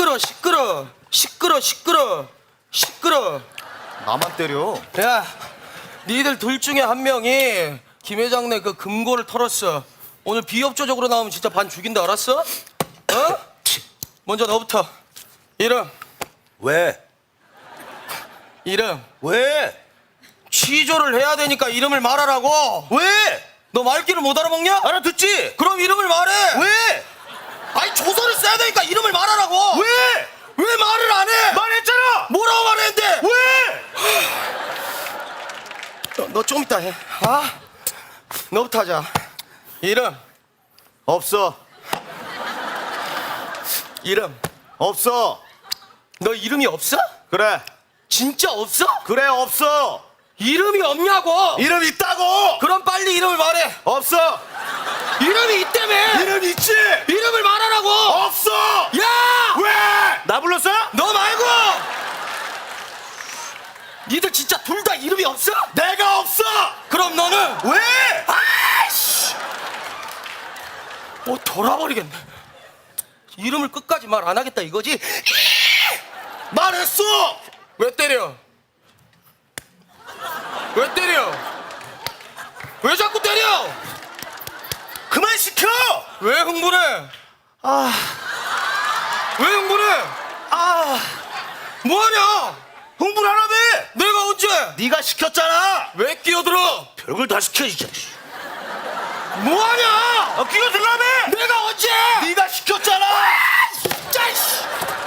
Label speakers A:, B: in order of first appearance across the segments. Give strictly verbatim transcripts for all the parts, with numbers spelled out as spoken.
A: 시끄러 시끄러 시끄러 시끄러 시끄러.
B: 나만 때려.
A: 야, 니들 둘 중에 한 명이 김 회장네 그 금고를 털었어. 오늘 비협조적으로 나오면 진짜 반 죽인다, 알았어? 어? 먼저 너부터. 이름.
B: 왜?
A: 이름.
B: 왜?
A: 취조를 해야 되니까 이름을 말하라고.
B: 왜?
A: 너 말귀를 못 알아먹냐?
B: 알아듣지?
A: 그럼 이름을 말해.
B: 왜?
A: 아니 조서를 써야 되니까 이름을 말하라고.
B: 왜?
A: 왜 말을 안 해?
B: 말했잖아.
A: 뭐라고 말했는데?
B: 왜?
A: 너, 너 좀 이따 해. 아, 너부터 하자. 이름.
B: 없어.
A: 이름.
B: 없어.
A: 너 이름이 없어?
B: 그래.
A: 진짜 없어?
B: 그래 없어.
A: 이름이 없냐고.
B: 이름 있다고.
A: 그럼 빨리 이름을 말해.
B: 없어.
A: 이름이 있다며.
B: 이름 있지.
A: 이름을 말하라고.
B: 없어.
A: 야!
B: 왜? 나 불렀어?
A: 너 말고. 니들 진짜 둘 다 이름이 없어?
B: 내가 없어.
A: 그럼 너는
B: 왜?
A: 아이씨. 뭐 돌아버리겠네. 이름을 끝까지 말 안 하겠다 이거지?
B: 말했어.
A: 왜 때려? 왜 때려? 왜 자꾸 때려?
B: 그만 시켜.
A: 왜 흥분해?
B: 아,
A: 왜 흥분해?
B: 아,
A: 뭐하냐?
B: 흥분하라며.
A: 내가 언제?
B: 네가 시켰잖아.
A: 왜 끼어들어?
B: 별걸 다 시켜 진짜.
A: 뭐하냐?
B: 아, 끼어들라며.
A: 내가 언제?
B: 네가 시켰잖아.
A: 진짜 이씨.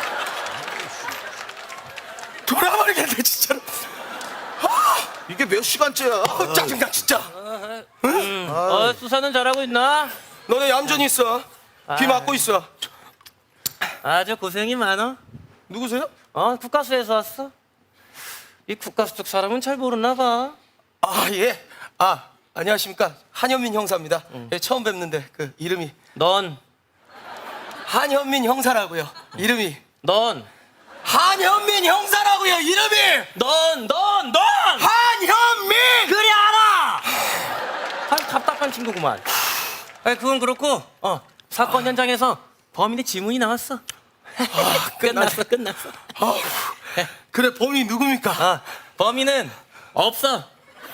A: 돌아버리겠네 진짜로.
B: 이게 몇 시간째야?
A: 아, 짜증나 진짜.
C: 음. 어, 수사는 잘하고 있나?
A: 너네 얌전히 있어. 귀
C: 아.
A: 막고 있어.
C: 아주 고생이 많어.
A: 누구세요?
C: 어, 국가수에서 왔어. 이 국가수 쪽 사람은 잘 모르나 봐.
A: 아 예. 아 안녕하십니까 한현민 형사입니다. 예, 처음 뵙는데 그 이름이
C: 넌,
A: 한현민 형사라고요. 이름이
C: 넌,
A: 한현민 형사라고요. 이름이
C: 넌, 넌, 넌!
A: 한현민.
C: 그래, 알아! 아주 답답한 친구구만. 아니, 그건 그렇고, 어, 사건 현장에서 범인의 지문이 나왔어. 끝났어, 끝났어.
A: 아우, 그래 범인이 누굽니까?
C: 어, 범인은 없어.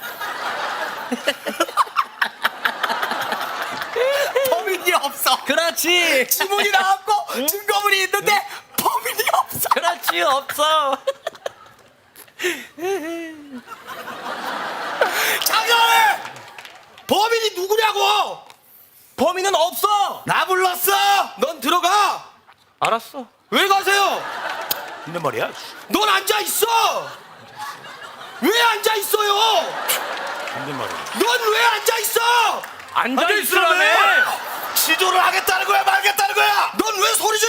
A: 범인이 없어.
C: 그렇지.
A: 지문이 나왔고 증거물이 있는데 범인이 없어.
C: 그렇지, 없어.
A: 장난해. 범인이 누구냐고. 범인은 없어.
B: 나 불렀어.
A: 넌 들어가.
C: 알았어.
A: 왜 가세요?
B: 근데 말이야.
A: 넌 앉아 있어. 왜 앉아 있어요?
B: 근데 말이야.
A: 넌 왜 앉아 있어?
C: 앉아있으라며.
B: 시조를 하겠다는 거야, 말겠다는 거야.
A: 넌 왜 소리